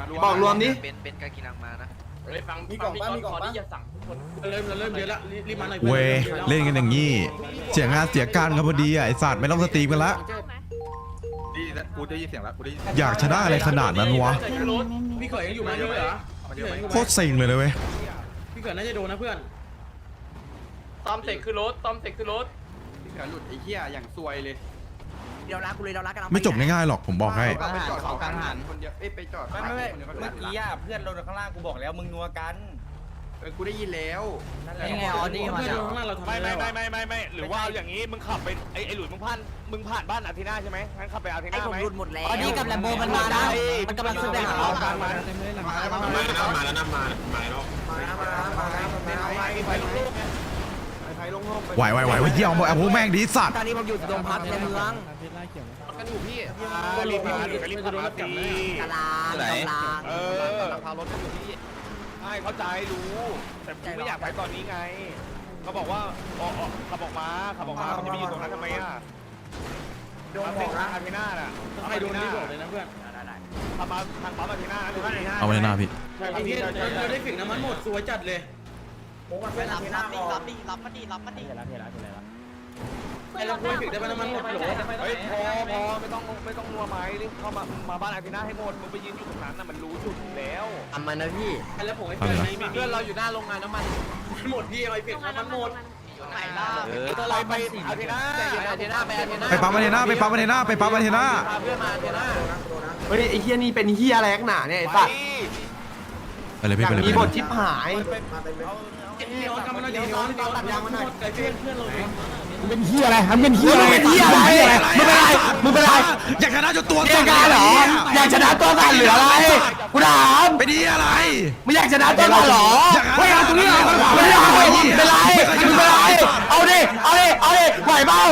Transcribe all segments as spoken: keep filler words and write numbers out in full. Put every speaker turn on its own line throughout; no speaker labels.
บอกรวมนี้
เป็นเป็นการกินลังมานะ
ฟังมีกล่องบ้านมีกล่องบ้านที่จะสั่งทุกคนเริ่มเริ่มเยอะละรีบมาหน่อย
เว้ยเล่นกันอย่างงี้เสียงานเสียการกันพอดีอ่ะไอสัตว์ไม่ต้องสตรีมกันละ
ดีกูได้ยินเสียงแล้วกูได้ยิน
อยากชนะอะไรขนาดนั้นวะ
พี่เขยยังอยู่ไหมเยอะเหรอ
โคตรเซ็งเลยนะเว้ย
พี่เขยน่าจะโดนนะเพื่อนตอมเสกคือรถตอมเสกคือรถ
พี่เขือหลุดไอ้เหี้ยอย่างซวยเลย
เดี๋ยวรักกูเลยเดี๋ยวรักกัน
ไม่จบง่ายๆหรอกผมบอกให้
ไปจอดเขากลางหันคนเดียวเอ้ยไปจอด
ไม่ไม่ไม่เมื่อกี้อ่ะเพื่อนเราข้างล่างกูบอกแล้วมึงนัวกัน
เออกูได้ยินแล้ว
นี่ไงออดี้มา
เพื่อนข้างล่างเราทำ
ไม่ไม่ไม่ไม่ไม่ไม่หรือว่าอย่างนี้มึงขับไปไอ้ไอ้หลุยมึงผ่านมึงผ่านบ้านอาทิน่าใช่ไหมงั้นขับไปอาทิ
ไอ้
น่า
ผม
ไหม
หลุดหมดแล้วออดี้กับแลมโบมันมานะมันกำลังขึ้นไปหาเรา
กลางมา
มาแล้วมาแล้วนะมามาแล้วมาแล้วมาแล้วมาแล้วมาแล้ว
ไปลงโลกไง
ไฟลงโลก
ไหวไหวไหวเยี่ยมบอกไอ้พวกแม่งดีสัตว์
ตอนนี้ผมอยู่ตรงพักในเมือง
กันอยู่พี่
รีบรีบรีบรีบขับมาสิ
กลางกลาง
เออพารถกันอยู่พี่ใช่เข้าใจรู้แต่กูไม่อยากไปตอนนี้ไงเขาบอกว่าอ๋อขับออกมาขับออกมามันจะไปอยู่ตรงนั้นทำไมอ่ะโดนบอกนะอาทิน่าน่ะ
ใครโดนนี่บอกเลยนะเพื่อน
ขับมาทางปั๊มอาทิน่านะ
เอาไว้หน้าพี่
ไอ้เหี้ยเราได้ฝิ่งน้ำมันหมดสวยจัดเลย
รับรับดิรับดิรับมาดิรับมาดิ
ไอ้เราคุยฝิ่งได้น้ำมันหมดหรอ
เฮ้ยพอพอไม่ต้องไม่ต้องนัวไม้รีบเข้ามามาบ้านอาทิน่าให้หมดมึงไปยืนอยู่ตรงนั้นน่ะมันรู้จุดแล้ว
ทำมันนะพี่
แล้วผมไอ้เพื่อนมี
เพื่อนเราอยู่หน้าโรงงานน้ำมัน
หมดพี่ไอ้ฝิ่งน้ำมันหมด
ไหนล่ะ
ไปไปอาทิน่า
อาเทน่าไปอาเทน่า
ไปปั๊มมาเทน่าไปปั๊มมาเทน่าไปปั๊มมาเทน่า
พาเพื่อนมาอาเทน่า
เฮ้ยไอ้เหี้ยนี่เป็นเหี้ยอะไรนักหนาเนี่ยไอ้สัตว์
ไปเลยพี่ไปเลย
มี
ไป
บ
เล
ท
ย
ชิบหาย
ย้อนกลับมาหน่อยดิย้อนย้อนตัดยางมาหน่อยไอ้เพื่อนเพื่อนเรา
เป็นเฮียอะไรทำเป็นเฮียอะไรเป็นเฮียอะไรมึงเป็นไรมึงเป็นไร
อยากชนะจนตัว
เฮียการเหรออยากชนะตัวสั่นหรืออะไรกูถาม
ไปดีอะไร
ไม่อยากชนะตัวสั่นหรอไม่เอาตรงนี้ไม่ได้เป็นไรเป็นไรเอาดิเอาดิเอาดิไหวเปล่า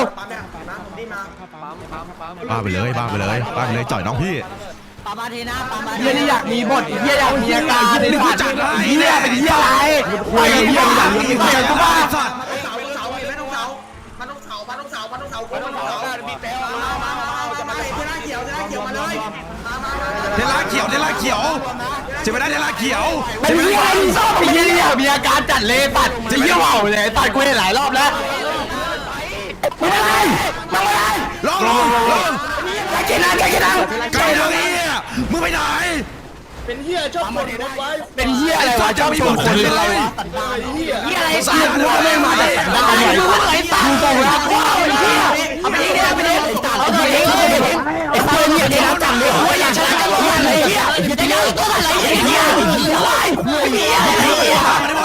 บ้าไปเลยบ้าไปเลยบ้าไปเลยจ่อยน้องพี่
ปามาทีนะปามา
เฮียนี่อยากมีบทเฮียอยากมีอาการเฮียเป็นจัดเฮียเป็นเฮียอะไรไหวเฮียอยากมีเฮียก็บ้า
สัตว์
มันต้องเสามันต้องเสามันต้องเสามันต้องเสามันต้องเสาบีบแต่มามามามามาเทน่าเขียวเทน่าเขียวมาเลยมามามา
เทล่าเขียวเทล่าเขียวจะไปได้เทล่าเขียว
เป็นเฮียอะไรชอบเป็นเฮียอยากมีอาการจัดเลยปัดจะเฮียว่าวเลยปัดกูเห็นหลายรอบแล้วไม่ได้ไม่ได้
ลองลองลอง
ไก่กินนะไก่กินนะ
ไก่ทางนี้มึงไปไหน
เป็นเฮียชอบคนรถไว้เป็นเฮียอะไรวะชอบชมคนอะไรวะเฮียอะไรสัตว์กูไม่มาแต่ได้กูไอ้สัตว์กูบอกแล้วว้าวไอ้เฮียเอาไปดิเอาไปดิเอาไปดิเอาไปดิไอ้คนเฮียเนี่ยจังเลยโอ้ยอยากชนะกันหมดเลยเฮียจะยังตัวอะไรเฮียเฮียอะไรเฮียอะไรเฮีย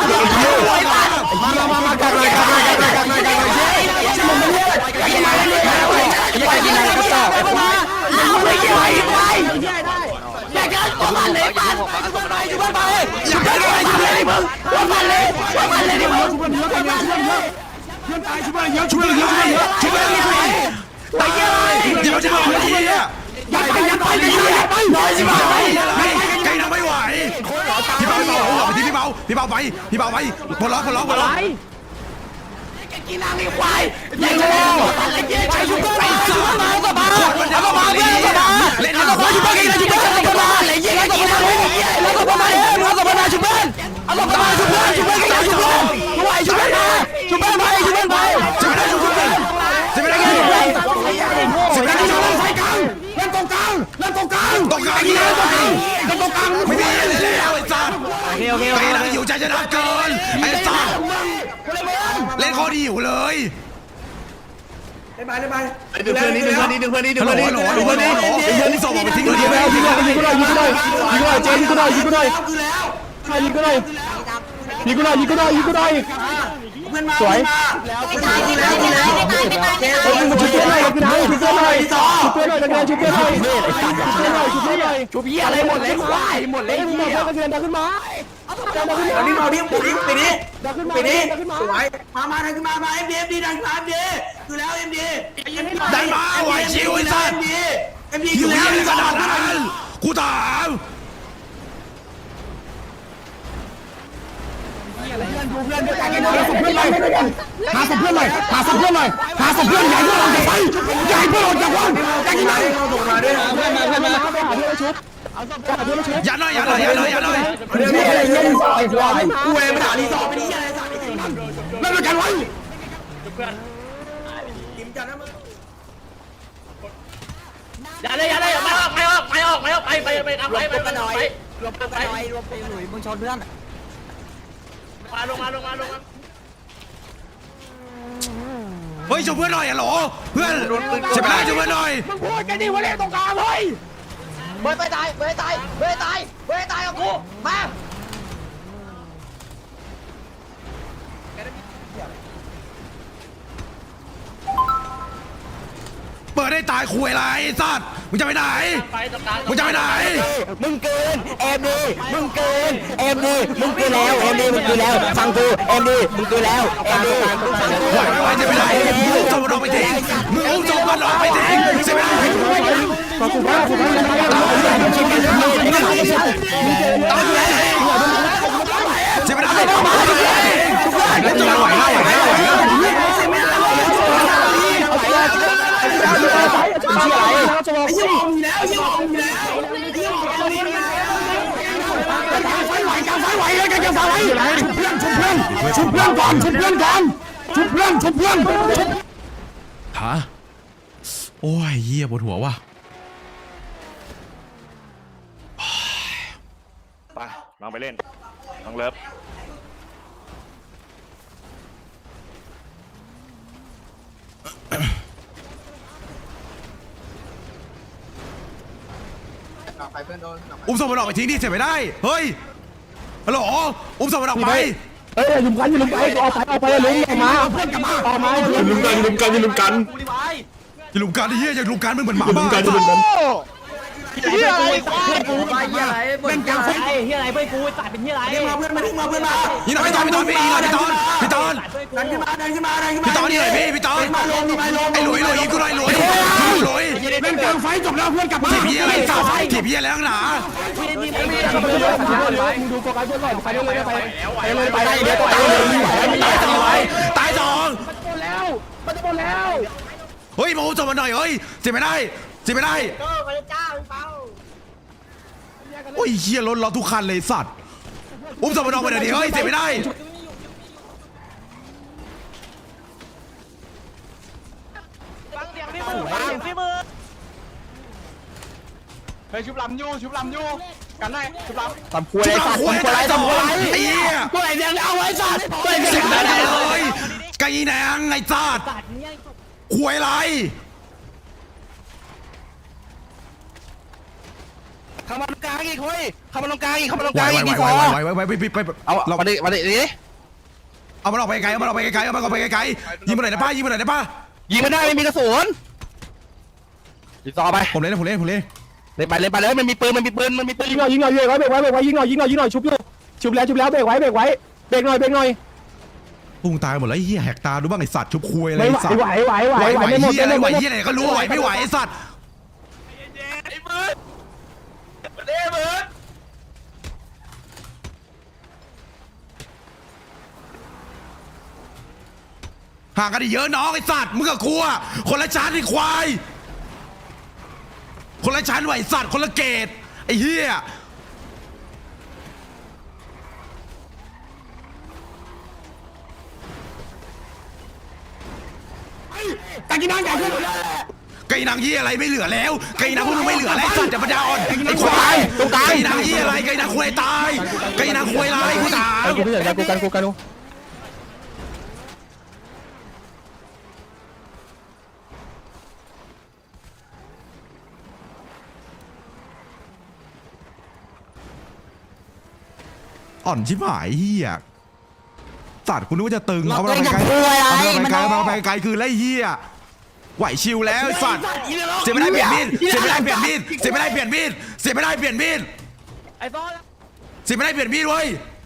มามามากันเลยกันเลยกันเลยกันเลยกันเลยชิมมันเฮียอยากกินอะไรอยากกินอะไรก็ต่อเอาไปกินอะไรไปอยากกินตัวมันเลยปันตัวมันอยู่บ้านไปอยากกินอะไรอยู่เลยมึงตัวมันเลยตัวมันเลยดิมึงช่วยเยอะกันเยอะช่วยเยอะเพื่อนตายช่วยเยอะช่วยเยอะช่วยเยอะช่วยเยอะไปเยอะ
เดี๋ยวจะเอาไอ้เหี้ย
อย่าไปอย่าไปอย่าไปน้อยสิมา
ไอ้อะไรไก่ทำไม่ไหวพี่เบาพี่เบาหัวไปที่พี่เบาพี่เบาไปพี่เบาไปพลล็อกพลล็อกพลล็อก
กินนางไอ้ควายยิงแล้วอะไรเงี้ยใช้ชุบไปชุบมาก็มาแล้วก็มาเพื่อนก็มาเล่นก็มาชุบไปกินชุบไปก็มาอะไรเงี้ยก็มาแล้วก็มาเองแล้วก็มาชุบเพื่อนเอาก็มาชุบเพื่อนชุบเพื่อนก็ชุบเพื่อนช่วยชุบเพื่อนมาชุบเพื่อนไปชุบเพื่อนไป
จะไม่ได้ชุบกันจะไม่ได้ไง
ชุบเพื่อนชุบเพื่อนชุบเพื่อนไฟกลางเล่นตรงกลางเล่นตรงกลาง
ตกกลางยี่ห้อ
เล่นตรงกลาง
ไม่มีอะไรแล้วไอ้สัตว์
โอเคโอเค
ไก่นั่งอยู่ใจจะนักเกินไอ้สัตว์เล่นข้อดีอยู่เลย
ดึงเพื่อนนี้ดึงเพื่อนนี้ดึงเพื่อนนี้ดึง
ฮัลโหล
เพื่อนนี้
ฮัลโหลฮัลโหล
ดึงเพื่อนนี้
ไอ้เหี้ยนี่ส่งออกไปทิ้งเลย
ยิง
เดียว
แล้วยิงแล้วยิงก็ได้ยิงก็ได้ยิงก็ได้เจยิงก็ได้ยิงก็ได้ใช่ยิงก็ได้ยิงก็ได้ยิงก็ได้ยิงก็ได้สวยชุบเพื่อนหน่อยชุบเพื่อนหน่อยชุบเพื่อนหน่อยชุบเพื่อนหน่อยชุบเพื่อนหน่อยชุบเพื่อนหน่อยชุบเพื่อนหน่อยชุบเพื่อนหน่อยชุบเหี้ยอะไรหมดเลยควายหมดเลยเหี้ยกระเทียนดังขึ้นมาดังขึ้นมาดิมาดิปีนี้ปีนี้ดังขึ้นมาปีนี้สวยมามาดังขึ้นมามาเอ็มดีเอ็มดีดังมาเอ็มดีคือแล้วเอ็มดี
ได้มาไหวชิวไอ้สัตว์หิวยังขนาดนั้นกูถาม
เพื่อนด้วยกันหาศพเพื่อนหน่อยหาศพเพื่อนหน่อยหาศพเพื่อนหน่อยหาศพเพื่อนใหญ่เพื่อนเราจะไปใหญ่เพื่อนเราจะว่างกันยังไงเราส่งมาด้วยนะเพื่อนมาเพื่อนมาไปหาเพื่อนชุบเอาศพไปหาเพื่อนชุบ
ยัดหน่อยยัดหน่อยยัดหน่อยยัดหน่อย
เรื่องนี้อะไรเงี้ยรีสอร์ทไอ้ควายกูเองไปหารีสอร์ทไปนี่อะไรสัตว์เล่นด้วยกันไว้
อย่าเลยอย่าเลยไม่ออกไม่ออกไม่ออกไม่ออกไปไปไปทำไปไปไปหน่อยรวมกันหน่อยรวมไปหน่อยมึงชนเพื่อนมาลงมาลงมาลงมา
เฮ้ยช่วยเพื่อนหน่อยอะโหลเพื่อนเจ็บไม่ได้ช่วยเพื่อนหน่อย
มึงพูดกันดิว่าเล่นตรงกลางเฮ้ย
เบิร์ดไปตายเบิร์ดตายเบิร์ดตายเบิร์ดตายกับกูมา
เปิดได้ตายคุยอะไรไอ้สัตว์มึงจะไปไหน
ไปตรงกลาง
มึงจะไปไหน
มึงเกินเอ็มดีมึงเกินเอ็มดีมึงเกินแล้วเอ็มดีมึงเกินแล้วฟังกูเอ็มดีมึงเกินแล้วเอ็มดีฟังกู
ไหวไม่ไหวจะไปไหนมึงอุ้มศพมันออกไปทิ้งมึงอุ้มศพมันออกไปทิ้งใช่ไหม
ขอบคุณมากขอบคุณมาก
ใช่ไหมได้แล้วจะไหวไหมไหวไหมไหวไหม
จะบอกสิแล้วยิ่งออกแล้วไฟไหวกันไฟไหวเลยกันกันไฟไหวชุบเพื่อนชุบเพื่อนชุบเพื่อนก่อนชุบเพื่อนก่อนชุบเพื่อนชุบเพื่อน
ฮะโอ้ยเหี้ยปวดหัวว่ะ
ไปลองไปเล่นลองเลิฟ
อุ้มศพมันออกไปทิ้งดิเจ็บไม่ได้เฮ้ยฮัลโหลอุ้มศพมันออกไป
เอ้ยลุมกันลุมไปออกไปออกไปลุมออกมาเพื่อนกลับมาออกมาลุมกันลุมกันลุมกัน
อย่าลุมกันไอ้เหี้ยอย่าลุมกันมึงเหมือนหมาบ้า
เฮียอะไรเพื่อนกูเฮียอะไรเป็นกลางไฟ
เฮียอะไรเพื่อนกูตัดเป็นเฮียอะไร
มาเพื่อนมามาเพื่อนมา
นี่นะพี่ตอนพี่ตอนพี่นี่นะพี่ตอนพี่ตอน
ดันขึ้นมาดันขึ้นมาดันขึ้นมา
พี่ตอนนี่หน่อยพี่พี่ตอน
มาลงมาลง
ไอ้หลุยหลุยกูหน่อยหลุยหลุย
เป็นกลางไฟจบแล้วเพื่อนกลับมา
ถีบเหี้ยอะไรสัตว์ถีบเหี้ยแล้วหนา
มึงดูโฟกัสเพื่อนหน่อยไปเรื่อยไปไปเลยไปเดี๋ยวไปเลย
ตายสอง
หมดแล้วมันจะหมดแล้ว
เฮ้ยมาอุ้มศพมันหน่อยเฮ้ยเจ็บไม่ได้เจ็บไม่ได้โอ้ยเหี้ยรถเราทุกคันเลยสัตว์อุ้มศพมันออกไปหน่อยดิเฮ้ยเจ็บไม่ได้
ฟังเสียงพี่มือฟังเสียงพี่มือ
เฮ้ยชุบลำยูชุบลำยูกันได้ชุบลำ
ทำควยสัตว์ทำควยอะไรทำควยไอ้เหี้ย
ตัวไหนเดียวเอาไว้สัตว์ตัวไหน
เสียง
เดียว
ดังเลยไก่แหนงไอ้สัตว์ควยอะไร
เข้ามาตรงกลางอีกเฮ้ยเข้ามาตรงกลางอีกเข้ามาตรง
ไห
ก
ว
ลาง
ไหว
อีก
ไหว
ดี
ไหว
พอ
ไหวไหวไหวไปไปไป
เอามาดิมาดิดิ
เอามันออกไปไกลเอามันออกไปไกลเอามันออกไปไกลยิงมาหน่อยนะป้ายิงมาหน่อยนะป้า
ยิงไม่ได้ไม่มีกระสุนยิงต่อไป
ผมเล่นผมเล่นผมเล่น
เลยไปเลยไปเลยมันมีปืนมันมีปืนมันมีปืนยิงหน่อยยิงหน่อยเบรกไว้เบรกไว้เบรกไว้ยิงหน่อยยิงหน่อยยิงหน่อยชุบอยู่ชุบแล้วชุบแล้วเบรกไว้เบรกไว้เบรกหน่อยเบรกหน่อย
พุ่งตายหมดแล้วไอ้เหี้ยแหกตาดูบ้างไอ้สัตว์ชุบควยอะไร
ไม่ไหว
สัตว์
ไหวไหวไหว
ไหวไหว
ไม่หมด
เหี้ยอะไรไหว
ไม่หมด
เหี้ยอะไรก็รู้ไหวไม่ไหวไอ้สัตว์ห่างกันเยอะน้องไอ้สัตว์มึงกับกูอะคนละชั้นไอ้ควายคนละชั้นไหวสัตว์คนละเกตไอ้เหี้ย
ตะกี้นั่งใหญ่ขึ้น
ไก่นางเหี้ยอะไรไม่เหลือแล้วไก่นางพวกมึงไม่เหลือแล้วไอ้สัตว์จะปัญญาอ่อนไอ้ควายไก่นางเหี้ยอะไรไก่นางควายตายไก่นางควายลายกูถาม
กูไม่อยากกันกูกันกูกันกู
อ่อนชิบหายเฮียสัตว์กูนึกว่าจะตึงเอามาไปไกลเอามาไปไกลเอามาไปไกลคือไรเฮียไหวชิวแล้วสัตว์เสียไม่ได้เปลี่ยนมีดเสียไม่ได้เปลี่ยนมีดเสียไม่ได้เปลี่ยนมีดเสียไม่ได้เปลี่ยนมีด
ไอ้ซ้อน
เสียไม่ได้เปลี่ยนมีดเว้ย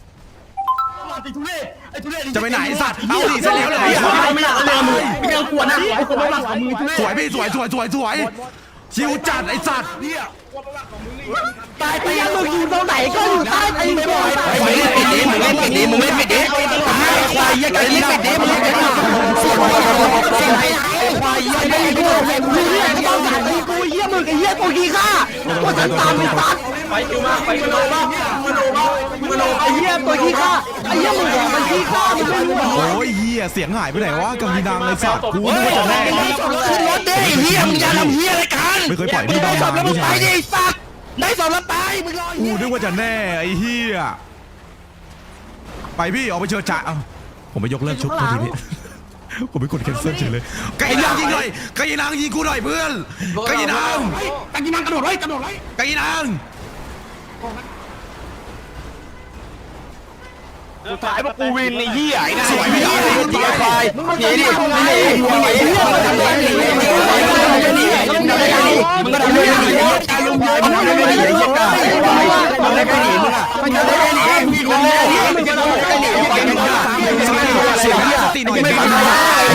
จะไปไหนสัตว์เอาดิเสร็จแล้วเลย
ไม่อยากเลยมึงไม่อยากกวนนะไอ้คนไม่รักของมึง
สวยพี่สวยสวยสวยสวยชิวจัดไอสัตว์
ตายไปยังมึงอยู่ตรงไหนก็อยู่ใต้ตีนบ่อยมึงเล่นปิดดิมึงเล่นปิดดิมึงเล่นปิดดิตายควายยังไงเล่นปิดดิมึงเล่นปิดดิควายยังไงกูมึงเล่นต้องสายตีกูเยี่ยมึงไอ้เยี่ยกูขี้ข้ากูฉันตามไปตัด
ไปคิวมาไปคิวมามึงโดนมามึงโดน
ไอ้เหี้ยตัวขี้ข้าไอ้เหี้ยมึงบอกมันขี้ข้ามึงไม่รู้หรอ
โอ้ยเฮียเสียงหายไปไหนวะกำมีดังเลยสัตว์กูนึกว่าจะแน่
ขึ้นรถดิไอ้เหี้ยมึงจะทำเหี้ยอะไรกัน
ไม่เคยปล่อยพี่ดัง
ส
มา
อบแล้วมึ
พี่
งไป
ชาย
ดิสัตว์ได้สอบแล้วไปมึงรอ
กูนึกว่าจะแน่ไอ้เฮียไปพี่ออกไปเชิญจ่าเอาผมไปยกเลิกชุดโทษทีพี่ผมไปกดแคนเซิลเฉยเลยไก่นางยิงหน่อยไก่นางยิงกูหน่อยเพื่อนไก่นาง
ตะกี้นั่งกระโดดไว้กระโดดไว้
ไก่นาง
สุดท้ายพวกกูวินไอ้เหี้ยไอ้นั่น
สวยพี่ดาว
ตีไฟหนีดิหนีหนีหนีมึงก็ทำได้หนีมึงก็ทำได้หนีมึงก็ทำได้หนีมึงก็ทำได้หนีตายลุงมึงทำได้หนีไอ้เหี้ยกาทำได้หนีมึงอ่ะมึงทำได้หนีมึงทำได้หนีมึงทำได้หนีไอ้เหี้ยกาเสียงสติหน่อยไม่ฟังนะ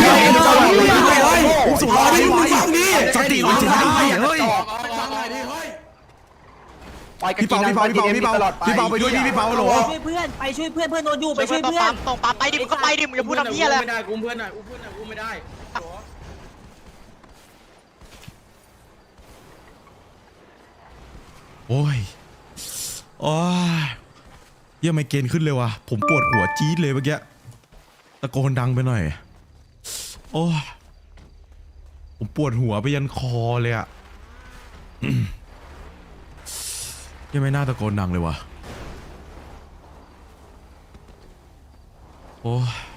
สุดยอดดิมึงฟังดิ
สติหน่อยจะได้เฮ้ย พี่เปาพี่เปาพี่เปาพี่เปาพี่เปาไปด้วยพี่พี่เปาโหล
ช่วยเพื่อนไปช่วยเพื่อนเพื่อนโดนอยู่ไปช่วยเพื่อน
ตรงปั๊มไปดิมึงก็ไปดิมึงจะพูดทำเหี้ยอะไร
ไม่ได้กูเพื่อนหน่อยกูเพื่อนหน่อยกูไม่ได้
โอ้ยโอ้ยเยี่ยมไม่เกณฑ์ขึ้นเลยว่ะผมปวดหัวจี๊ดเลยเมื่อกี้ตะโกนดังไปหน่อยโอ้ยผมปวดหัวไปยันคอเลยอะยังไม่น่าตะโกนดังเลยว่ะโอ้ย